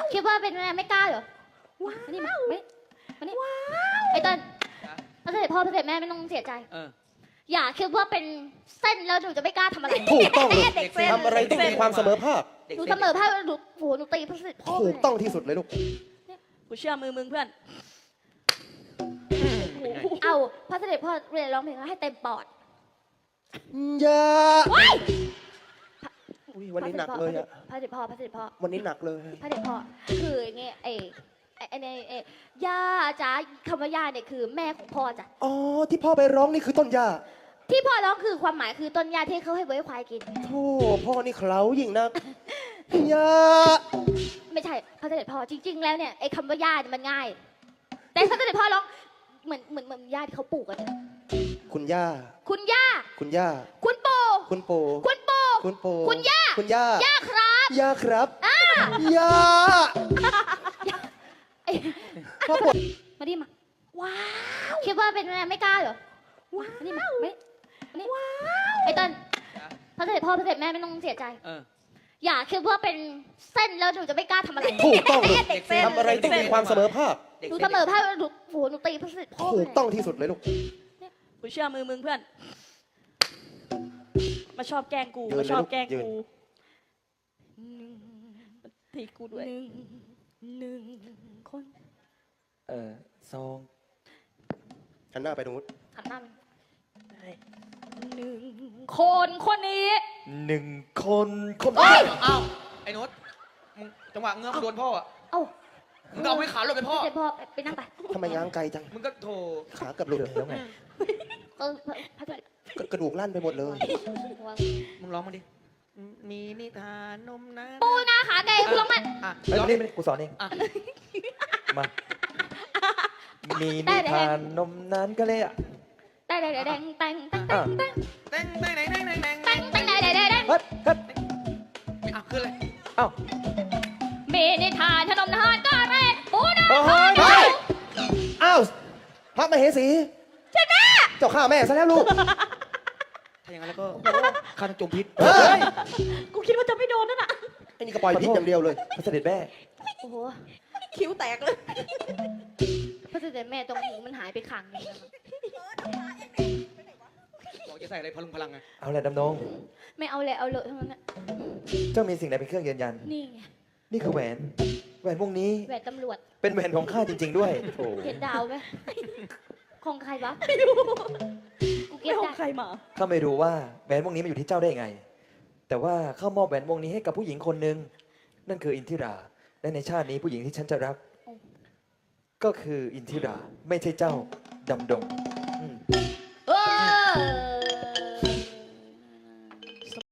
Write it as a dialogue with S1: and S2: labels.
S1: คิดว่าเป็นอะไรไม่กล้าเหรอมานี่มานี่ไอ้เต้นพระเสด็จพ่อพระเสด็จแม่ไม่ต้องเสียใจอย่าคิดว่าเป็นเส้นแล้วหนูจะไม่กล้าทำอะไร
S2: ถูกต้องเลย
S1: ทำ
S2: ทำอะไรต้องมีความเสมอภาค
S1: หนูเสมอภาคหนูโหหนูตีพระเสด็จพ่อ
S2: ถูกต้องที่สุดเลยลูก
S3: กูเชื่อมือมึงเพื่อน
S1: เอาพระเสด็จพ่อเรียนร้องเพลงให้เต็มปอด
S2: อย่าอุ้ยวันนี้หนักเลยอะ
S1: พระเสด็จพ่อ
S2: วันนี้หนักเลย
S1: พระเสด็จพ่อคืออย่างเงี้ยย่าจ๋าคำว่าย่าเนี่ยคือแม่ของพ่อจ้ะ
S2: อ๋อที่พ่อไปร้องนี่คือต้นหญ้า
S1: ที่พ่อร้องคือความหมายคือต้นหญ้าที่เขาให้ไว้ควายกิน
S2: โธ่พ่อนี่เคล้ายิ่งนักอย่า
S1: ไม่ใช่พระเสด็จพ่อจริง ๆ แล้วเนี่ยไอ้คำว่าย่าเนี่ยมันง่าย แต่พระเสด็จพ่อร้องเหมือนย่าที่เขาปลูกกันเนี่ย
S2: คุณย่า
S1: คุณย่า
S2: คุณย่า
S1: คุณปู่
S2: คุณปู่
S1: คุณปู่
S2: คุณปู่
S1: คุณย่า
S2: คุณย่า
S1: ย่าครับ
S2: ย่าครับย่า
S1: ไอ้
S2: พ่อปวด
S1: มาดิมาว้าวคิดว่าเป็นอะไรไม่กล้าเหรอว้าวนี่มานี่ว้าวไอ้เต้นพระเสด็จพ่อพระเสด็จแม่ไม่ต้องเสียใจอย่าคิดว่าเป็นเส้นแล้วหนูจะไม่กล้าทำอะไร
S2: ถูกต้องเลยทำอะไรต้องมีความเสมอภาค
S1: หนูเสมอภาคหนูโหหนูตีพระเสด็จพ่อ
S2: ถูกต้องที่สุดเลยลูก
S3: กูเชื่อมือมึงเพื่อน มาชอบแกล้งกู
S2: ยืน
S3: มาชอบแกล้ง
S2: ยืน
S3: กูทีกูด้วย
S1: หนึ่งคน
S4: ซอง
S2: หันหน้าไปตรงนู้น
S1: หันหน้าหนึ่งคนนี้
S4: หนึ่งคน
S1: เฮ้ย
S5: อ้าวไอ้โน้ตมึงจังหวะเงื้อมโดนพ่ออ่ะ
S1: เอ้า
S5: มึงก็เอาไม่ขาหลบไปพ่อ
S1: เสด็จพ่อไปนั่งไป
S2: ทำไมง้างไกลจัง
S5: มึงก็โถ
S2: ขาเกือบหลุด
S4: แล้วไง
S1: พระเสด็จ
S2: กระดูกลั่นไปหมดเลย
S5: มึงร้องมาดิ มีนิทานนมนะ
S1: ปูนาขาไก่คุณลองมัน
S5: อ่ะ
S4: เฮ้ย
S5: ร้อง
S4: ไม่ได้กูสอนเอง
S5: อ่ะ
S4: มา มีนิทานนมนานก็เลยอ่ะ
S1: แดงแดงแดงแดงแดงแดง
S5: แต้งแต้งแต้งแต้งแต้งแต้ง
S1: แดงแดงแดงแดงแดงแดง
S4: เฮ้ยเฮ้ย
S5: อ่ะขึ้นเลย
S4: เอ้า
S1: เมนิทานขนมทานก็แร่ปูนา
S2: เฮ้ยเฮ้ยอ้าวพระมเหสีใช่แม่เจ้าข้าแม่ซะแล้วลูก
S5: ถ้าอย่างนั้นแล้วก็ข้าต้องจมพิษ
S2: เฮ้ย
S3: กูคิดว่าจะไม่โดนนั่นน่ะ
S2: ไอ้นี่ก็ปล่อยพิษอย่างเดียวเลย
S4: พระเสด็จแม่
S1: โอ้โห
S3: คิ้วแตกเลย
S1: พระเสด็จแม่ตรงหูมันหายไปขังนึง
S5: บอกจะใส่อะไรพลุงพลังไง
S4: เอาแหละดำนง
S1: ไม่เอาเลยเอาเลยทั้งนั้นน่ะ
S4: เจ้ามีสิ่งใดเป็นเครื่องยืนยัน
S1: นี่ไง
S4: นี่คือแหวน แหวนวงนี้
S1: แหวนตำรวจ
S4: เป็นแหวนของข้าจริง ๆ ด้วยโอ้
S1: เห็นดาวไหมของใครวะกูเก็
S3: ไม่
S1: บ
S3: ขอ
S1: ได้
S3: งใครมา
S4: ข้าไม่รู้ว่าแหวนวงนี้มาอยู่ที่เจ้าได้ไง แต่ว่าข้ามอบแหวนวงนี้ให้กับผู้หญิงคนหนึ่งนั่นคืออินทิรา และในชาตินี้ผู้หญิงที่ฉันจะรัก ก็คืออินทิรา ไม่ใช่เจ้าดำดงอืม